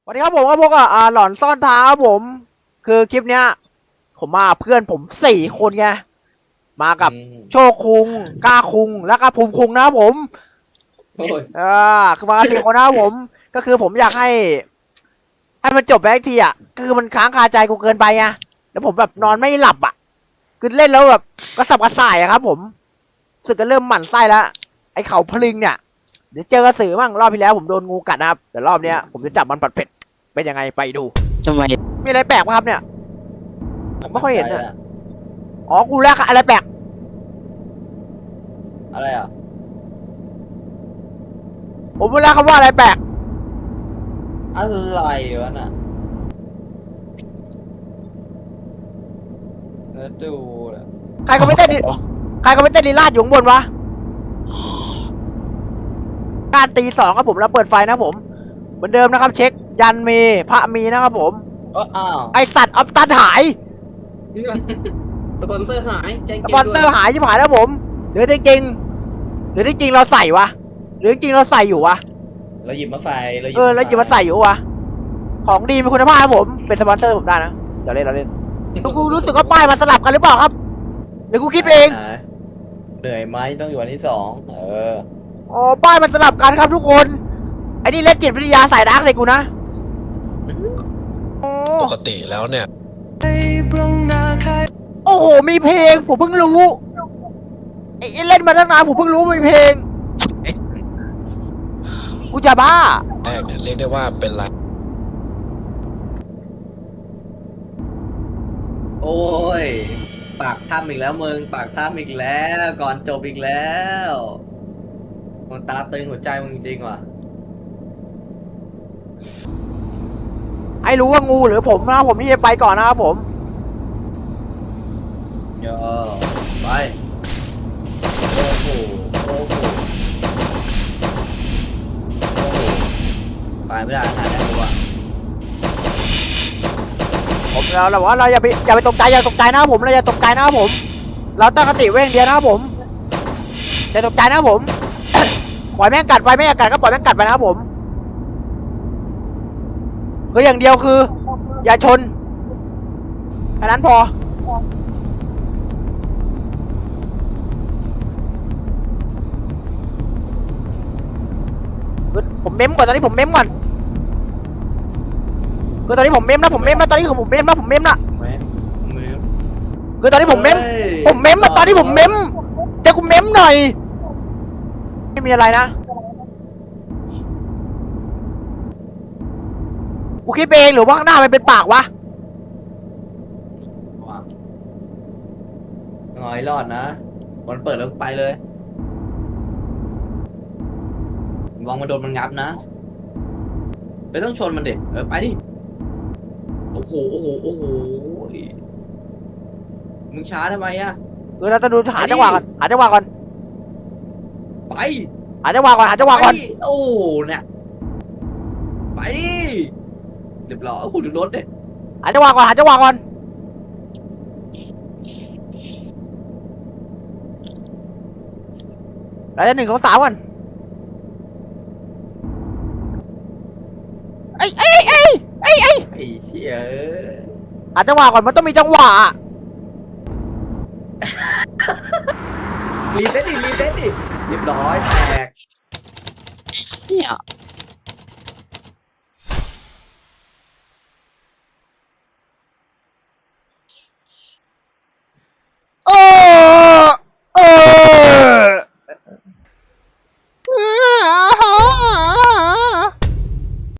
สวัสดีครับผมก็พวกหลอนซ่อนท้าครับผมคือคลิปเนี้ยผมมาเพื่อนผม4 คนไงมาอืกับมโชคคุงกล้าคุงแล้วก็ภูมิคุงนะครับผมโอ้ยคือมากัน4 คนนะครับผมก็คือผมอยากให้มันจบไปสักทีคือมันค้างคาใจกูเกินไปไงแล้วผมแบบนอนไม่หลับคือเล่นแล้วแบบกระสับกระส่ายครับผมรู้สึกก็เริ่มหมั่นไส้แล้วไอ้เขาพลิงเนี่ยเดี๋ยวเจอกระสือมั่งรอบที่แล้วผมโดนงูกัดนะครับแต่รอบเนี้ยผมจะจับมันผัดเผ็ดเป็นยังไงไปดูทำไมมีอะไรแปลกปะครับเนี่ย ผมไม่ค่อยเห็นอะอะ อ๋อ กูแลกอะไรแปลกอะไรอ่ะผมไม่แลกคำว่าอะไรแปลกอะไรวะน่ะแล้วดูน่ะใครก็ไม่เต้นดิใครก็ไม่เต้นลีลาดอยู่ข้างบนวะการตี2ครับผมแล้วเปิดไฟนะผม เหมือนเดิมนะครับ เช็คยันมีพระมีนะครับผมอ้าวไอสัตว์ออฟตันหายสปอนเซอร์หายแจ้งสเตืปอนเซอร์หายชิบหายแล้วผมหรือจริงๆหรือจริงๆเราใส่วะหรือจริงๆเราใส่อยู่วะเราหยิบมาใส่แล้วหยิบมาใส่อยู่วะ ของดีมีคุณภาพครับผม เป็นสปอนเซอร์ผมได้นะเดี๋ยวเล่นเราเล่นกูรู้สึกว่าป้ายมันสลับกันหรือเปล่าครับหรือกูคิดเองไหนเหนื่อยไหมต้องอยู่อันที่2 อ๋อป้ายมันสลับกันครับทุกคนไอ้นี่เล่นจิตวิทยาสายดาร์กใส่กูนะโอ้ปกติแล้วเนี่ยโอ้โหมีเพลงผมเพิ่งรู้ไอ้เล่นมาตั้งนานผมเพิ่งรู้มีเพลงกูจะบ้าแรกเนี่ยเรียกได้ว่าเป็นไรโอ้ยปากถ้ำอีกแล้วมึงปากถ้ำอีกแล้วก่อนจบอีกแล้วมันตาตึงหัวใจมึงจริงว่ะให้รู้ว่างูหรือผมนะครับผมที่จะไปก่อนนะครับผมเยอะไปโอ้โหโอ้โหโอ้โหไปไม่ได้ขนาดนั้นกูว่ะผมเราบอกว่าเราอย่าไปตกใจอย่าตกใจนะครับผมเราอย่าตกใจนะครับผม เราตั้งสติไว้อย่างเดียวนะครับผมอย่าตกใจนะครับผม ปล่อยแม่งกัดไปไม่อยากกัดก็ปล่อยแม่งกัดไปนะครับผมคืออย่างเดียวคือ อย่าชนแค่นั้นพอผมเม้มก่อนตอนนี้ผมเม้มก่อนคือตอนนี้ผมเม้มนะผมเม้มนะตอนนี้ผมเม้มนะผมเม้มนะแม่มือคือตอนนี้ผมเม้มเฮ้ยผมเม้มนะตอนนี้ผมเม้มจะกูเม้มหน่อยไม่มีอะไรนะกูคิดไปเองหรือว่าข้างหน้ามันเป็นปากวะว่ะงอยรอดนะมันเปิดแล้วไปเลยมองมาโดนมันงับนะไม่ต้องชนมันเด็กไปดิโอ้โหโอ้โหโอ้โหมึงช้าทำไมอะคือเราต้องดูหาจังหวะก่อนหาจังหวะก่อนไปหาจังหวะก่อนหาจังหวะก่อนไปโอ้เนี่ยไปเรียบร้อยโอ้โหดูรถเนี่ยหาจังหวะก่อนหาจังหวะก่อนเราจะ1 2 3ก่อนไอ้ไอ้เชี่ยหาจังหวะก่อนมันต้องมีจังหวะรีเซ็ตดิเรียบร้อยแตกเนี่ย